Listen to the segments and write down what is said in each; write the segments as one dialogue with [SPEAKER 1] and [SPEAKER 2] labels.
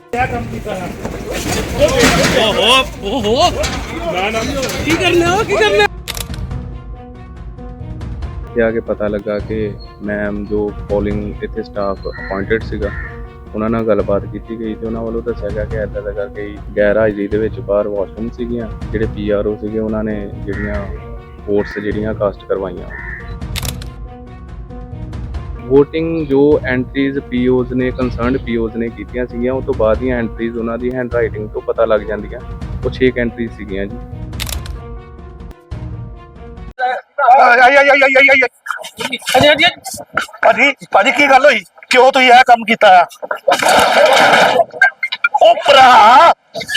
[SPEAKER 1] क्या काम कीता है
[SPEAKER 2] ओहो
[SPEAKER 1] ना
[SPEAKER 2] की करना हो की करना
[SPEAKER 3] आके पता लगा कि मैम जो ਪੋਲਿੰਗ ਇੱਥੇ ਸਟਾਫ ਅਪਾਇੰਟਡ ਸੀਗਾ ਉਹਨਾਂ ਨਾਲ ਗੱਲਬਾਤ ਕੀਤੀ ਗਈ ਤੇ ਉਹਨਾਂ ਵੱਲੋਂ ਦੱਸਿਆ ਗਿਆ ਕਿ ਇੱਦਾਂ ਦਾ ਕਰਕੇ ਗੈਰ ਹਾਜ਼ਰੀ ਦੇ ਵਿੱਚ ਬਾਹਰ ਵਾਸ਼ਰੂਮ ਸੀਗੀਆਂ ਜਿਹੜੇ ਪੀਆਰਓ ਸੀਗੇ ਉਹਨਾਂ ਨੇ ਜਿਹੜੀਆਂ ਵੋਟਸ ਜਿਹੜੀਆਂ ਕਾਸਟ ਕਰਵਾਈਆਂ। ਵੋਟਿੰਗ ਜੋ ਐਂਟਰੀਜ਼ ਪੀਓਜ਼ ਨੇ ਕੰਸਰਨਡ ਪੀਓਜ਼ ਨੇ ਕੀਤੀਆਂ ਸੀਗੀਆਂ ਉਹ ਤੋਂ ਬਾਅਦ ਦੀਆਂ ਐਂਟਰੀਜ਼ ਉਹਨਾਂ ਦੀ ਹੈਂਡ ਰਾਈਟਿੰਗ ਤੋਂ ਪਤਾ ਲੱਗ ਜਾਂਦੀਆਂ। ਉਹ 6 ਐਂਟਰੀਜ਼ ਸੀਗੀਆਂ ਜੀ।
[SPEAKER 4] ਭਾਜੀ ਕੀ ਗੱਲ ਹੋਈ? ਕਿਉਂ ਤੁਸੀਂ ਇਹ ਕੰਮ ਕੀਤਾ ਆ? ਉਹ ਭਰਾ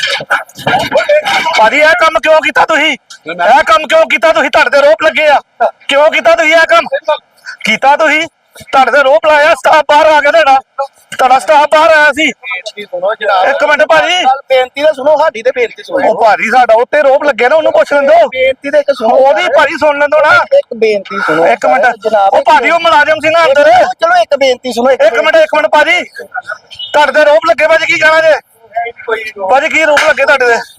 [SPEAKER 4] ਭਾਜੀ ਇਹ ਕੰਮ ਕਿਉਂ ਕੀਤਾ ਤੁਸੀਂ? ਇਹ ਕੰਮ ਕਿਉਂ ਕੀਤਾ ਤੁਸੀਂ? ਤੁਹਾਡੇ ਤੇ ਰੋਪ ਲੱਗੇ ਆ। ਕਿਉਂ ਕੀਤਾ ਤੁਸੀਂ ਇਹ ਕੰਮ? ਕੀਤਾ ਤੁਸੀਂ? ਤੁਹਾਡੇ ਤੇ ਰੋਪ ਲਾਇਆ। ਸਟਾਫ ਬਾਹਰ ਆ ਗਿਆ ਤੁਹਾਡਾ ਸਟਾਫ ਬਾਹਰ ਆਇਆ ਸੀ। ਇੱਕ ਮਿੰਟ ਭਾਜੀ
[SPEAKER 5] ਬੇਨਤੀ ਤਾਂ ਸੁਣੋ, ਸਾਡੀ ਤੇ ਬੇਨਤੀ ਸੁਣੋ।
[SPEAKER 4] ਉਹ ਭਾਜੀ ਸਾਡਾ ਉੱਤੇ ਰੋਪ ਲੱਗੇ ਨਾ, ਉਹਨੂੰ ਪੁੱਛ ਲੈਂਦੋ।
[SPEAKER 5] ਬੇਨਤੀ ਤੇ ਇੱਕ ਸੁਣੋ,
[SPEAKER 4] ਉਹਦੀ ਭਾਜੀ ਸੁਣ ਲੈਂਦੋ ਨਾ।
[SPEAKER 5] ਇੱਕ ਬੇਨਤੀ ਸੁਣੋ
[SPEAKER 4] ਇੱਕ ਮਿੰਟ
[SPEAKER 5] ਜਨਾਬ।
[SPEAKER 4] ਉਹ ਭਾਜੀ ਉਹ ਮੁਲਾਜ਼ਮ ਸੀ ਨਾ ਅੰਦਰ।
[SPEAKER 5] ਚਲੋ ਇੱਕ ਬੇਨਤੀ ਸੁਣੋ।
[SPEAKER 4] ਇੱਕ ਮਿੰਟ ਭਾਜੀ ਤੁਹਾਡੇ ਤੇ ਰੋਪ ਲੱਗੇ। ਭਾਜੀ ਕੀ ਕਹਿਣਾ ਜੇ? ਭਾਜੀ ਕੀ ਰੋਪ ਲੱਗੇ ਤੁਹਾਡੇ ਤੇ?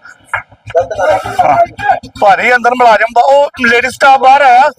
[SPEAKER 4] ਭਾਜੀ ਅੰਦਰ ਮੁਲਾਜ਼ਮ ਦਾ ਉਹ ਲੇਡੀ ਸਟਾਫ ਬਾਹਰ ਆਇਆ।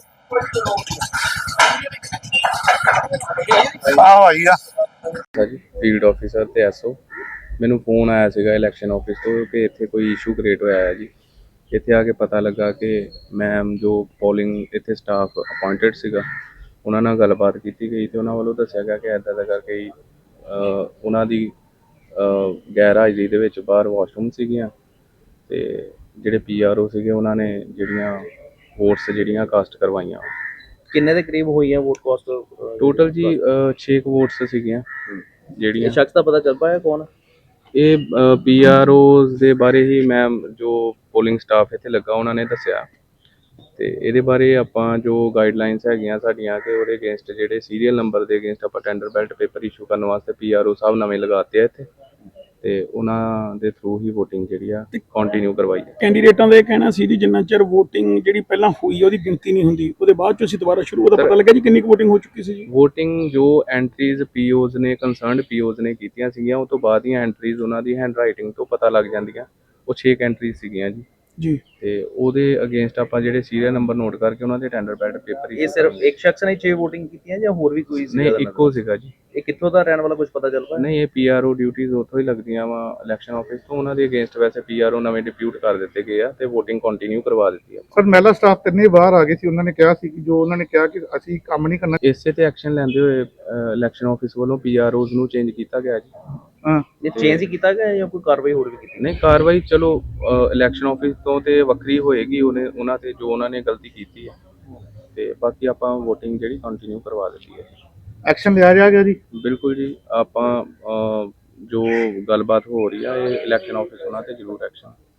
[SPEAKER 4] ਆਹ ਆਈ ਆ
[SPEAKER 3] ਜੀ ਫੀਲਡ ਆਫੀਸਰ ਤੇ ਐਸਓ ਮੈਨੂੰ ਫੋਨ ਆਇਆ ਸੀਗਾ ਇਲੈਕਸ਼ਨ ਆਫਿਸ ਤੋਂ ਕਿ ਇੱਥੇ ਕੋਈ ਇਸ਼ੂ ਕ੍ਰੀਏਟ ਹੋਇਆ ਹੈ ਜੀ। ਇੱਥੇ ਆ ਕੇ ਪਤਾ ਲੱਗਾ ਕਿ ਮੈਮ ਜੋ ਪੋਲਿੰਗ ਇੱਥੇ ਸਟਾਫ ਅਪਾਇੰਟਡ ਸੀਗਾ ਉਹਨਾਂ ਨਾਲ ਗੱਲਬਾਤ ਕੀਤੀ ਗਈ ਤੇ ਉਹਨਾਂ ਵੱਲੋਂ ਦੱਸਿਆ ਗਿਆ ਕਿ ਇੱਦਾਂ ਦਾ ਕਰਕੇ ਉਹਨਾਂ ਦੀ ਗੈਰ ਹਾਜ਼ਰੀ ਦੇ ਵਿੱਚ ਬਾਹਰ ਵਾਸ਼ਰੂਮ ਸੀਗੀਆਂ ਤੇ ਜਿਹੜੇ ਪੀਆਰਓ ਸੀਗੇ ਉਹਨਾਂ ਨੇ ਜਿਹੜੀਆਂ ਵੋਟਸ ਜਿਹੜੀਆਂ ਕਾਸਟ ਕਰਵਾਈਆਂ।
[SPEAKER 2] ਕਿੰਨੇ ਦੇ ਕਰੀਬ ਹੋਈ ਹੈ ਵੋਟ ਕਾਸਟ
[SPEAKER 3] ਟੋਟਲ ਜੀ 6 ਵੋਟਸ ਸੀਗੀਆਂ ਜਿਹੜੀਆਂ।
[SPEAKER 2] ਇਹ ਸ਼ਖਸ ਦਾ ਪਤਾ ਚੱਲ ਪਾਇਆ ਕੌਣ?
[SPEAKER 3] ਇਹ ਪੀਆਰਓਜ਼ ਦੇ ਬਾਰੇ ਹੀ ਮੈਮ ਜੋ ਪੋਲਿੰਗ ਸਟਾਫ ਇੱਥੇ ਲੱਗਾ ਉਹਨਾਂ ਨੇ ਦੱਸਿਆ ਤੇ ਇਹਦੇ ਬਾਰੇ ਆਪਾਂ ਜੋ ਗਾਈਡਲਾਈਨਸ ਹੈਗੀਆਂ ਸਾਡੀਆਂ ਕਿ ਉਹਦੇ ਅਗੇਂਸਟ ਜਿਹੜੇ ਸੀਰੀਅਲ ਨੰਬਰ ਦੇ ਅਗੇਂਸਟ ਆਪਾਂ ਟੈਂਡਰ ਬੈਲਟ ਪੇਪਰ ਇਸ਼ੂ ਕਰਨ ਵਾਸਤੇ ਪੀਆਰਓ ਸਾਹਿਬ ਨਵੇਂ ਲਗਾਤੇ ਆ ਇੱਥੇ ਤੇ ਉਹਨਾਂ ਦੇ ਥਰੂ ਹੀ VOTING ਜਿਹੜੀ ਆ ਕੰਟੀਨਿਊ ਕਰਵਾਈ ਹੈ।
[SPEAKER 6] ਕੈਂਡੀਡੇਟਾਂ ਦਾ ਇਹ ਕਹਿਣਾ ਸੀ ਜੀ ਜਿੰਨਾ ਚਿਰ VOTING ਜਿਹੜੀ ਪਹਿਲਾਂ ਹੋਈ ਉਹਦੀ ਗਿਣਤੀ ਨਹੀਂ ਹੁੰਦੀ ਉਹਦੇ ਬਾਅਦ ਚ ਅਸੀਂ ਦੁਬਾਰਾ ਸ਼ੁਰੂ ਉਹਦਾ ਪਤਾ ਲੱਗਾ ਜੀ ਕਿੰਨੀ ਕੁ VOTING ਹੋ ਚੁੱਕੀ ਸੀ ਜੀ।
[SPEAKER 3] VOTING ਜੋ ਐਂਟਰੀਜ਼ ਪੀਓਜ਼ ਨੇ ਕੰਸਰਨਡ ਪੀਓਜ਼ ਨੇ ਕੀਤੀਆਂ ਸੀਗੀਆਂ ਉਹ ਤੋਂ ਬਾਅਦ ਦੀਆਂ ਐਂਟਰੀਜ਼ ਉਹਨਾਂ ਦੀ ਹੈਂਡ ਰਾਈਟਿੰਗ ਤੋਂ ਪਤਾ ਲੱਗ ਜਾਂਦੀਆਂ। ਉਹ 6 ਐਂਟਰੀਜ਼ ਸੀਗੀਆਂ ਜੀ ਤੇ ਉਹਦੇ ਅਗੇਂਸਟ ਆਪਾਂ ਜਿਹੜੇ ਸੀਰੀਅਲ ਨੰਬਰ ਨੋਟ ਕਰਕੇ ਉਹਨਾਂ ਦੇ ਟੈਂਡਰ ਬੈਲਟ ਪੇਪਰ
[SPEAKER 2] ਇਹ ਸਿਰਫ ਇੱਕ ਸ਼ਖਸ ਨੇ 6 VOTING ਕੀਤੀਆਂ ਜਾਂ ਹੋਰ ਵੀ ਕੋਈ ਸੀ?
[SPEAKER 3] ਨਹੀਂ ਇੱਕੋ ਸੀਗਾ ਜੀ।
[SPEAKER 2] ਇਹ ਕਿੱਥੋਂ ਦਾ ਰਹਿਣ ਵਾਲਾ ਕੁਝ ਪਤਾ ਚੱਲ ਪਾਇਆ?
[SPEAKER 3] ਨਹੀਂ ਇਹ ਪੀਆਰਓ ਡਿਊਟੀਆਂ ਉੱਥੋਂ ਹੀ ਲੱਗਦੀਆਂ ਵਾ ਇਲੈਕਸ਼ਨ ਆਫਿਸ ਤੋਂ। ਉਹਨਾਂ ਦੇ ਅਗੇਂਸਟ ਵੈਸੇ ਪੀਆਰਓ ਨਵੇਂ ਡਿਪਿਊਟ ਕਰ ਦਿੱਤੇ ਗਏ ਆ ਤੇ VOTING ਕੰਟੀਨਿਊ ਕਰਵਾ ਦਿੱਤੀ ਆ।
[SPEAKER 7] ਪਰ ਮਹਿਲਾ ਸਟਾਫ ਤਿੰਨੇ ਬਾਹਰ ਆ ਗਏ ਸੀ। ਉਹਨਾਂ ਨੇ ਕਿਹਾ ਸੀ ਕਿ ਜੋ ਉਹਨਾਂ ਨੇ ਕਿਹਾ ਕਿ ਅਸੀਂ ਕੰਮ ਨਹੀਂ ਕਰਨਾ।
[SPEAKER 3] ਇਸੇ ਤੇ ਐਕਸ਼ਨ ਲੈਂਦੇ ਹੋਏ ਇਲੈਕਸ਼ਨ ਆਫਿਸ ਵੱਲੋਂ ਪੀਆਰਓਜ਼ ਨੂੰ ਚੇਂਜ ਕੀਤਾ ਗਿਆ ਜੀ।
[SPEAKER 2] ਇਹ ਚੇਂਜ ਹੀ ਕੀਤਾ ਗਿਆ ਜਾਂ ਕੋਈ ਕਾਰਵਾਈ ਹੋਰ ਵੀ ਕੀਤੀ?
[SPEAKER 3] ਨਹੀਂ ਕਾਰਵਾਈ ਚਲੋ ਇਲੈਕਸ਼ਨ ਆਫਿਸ ਤੋਂ ਤੇ ਵੱਖਰੀ ਹੋਏਗੀ ਉਹਨਾਂ ਤੇ ਜੋ ਉਹਨਾਂ ਨੇ ਗਲਤੀ ਕੀਤੀ ਹੈ ਤੇ ਬਾਕੀ ਆਪਾਂ VOTING ਜਿਹੜੀ ਕੰਟੀਨਿਊ ਕਰਵਾ ਦਿੱਤੀ ਹੈ।
[SPEAKER 7] ਐਕਸ਼ਨ ਲਿਆ ਗਿਆ ਜੀ?
[SPEAKER 3] ਬਿਲਕੁਲ ਜੀ। ਆਪਾਂ ਜੋ ਗੱਲਬਾਤ ਹੋ ਰਹੀ ਆ ਇਹ ਇਲੈਕਸ਼ਨ ਆਫਿਸ ਉਹਨਾਂ ਤੇ ਜ਼ਰੂਰ ਐਕਸ਼ਨ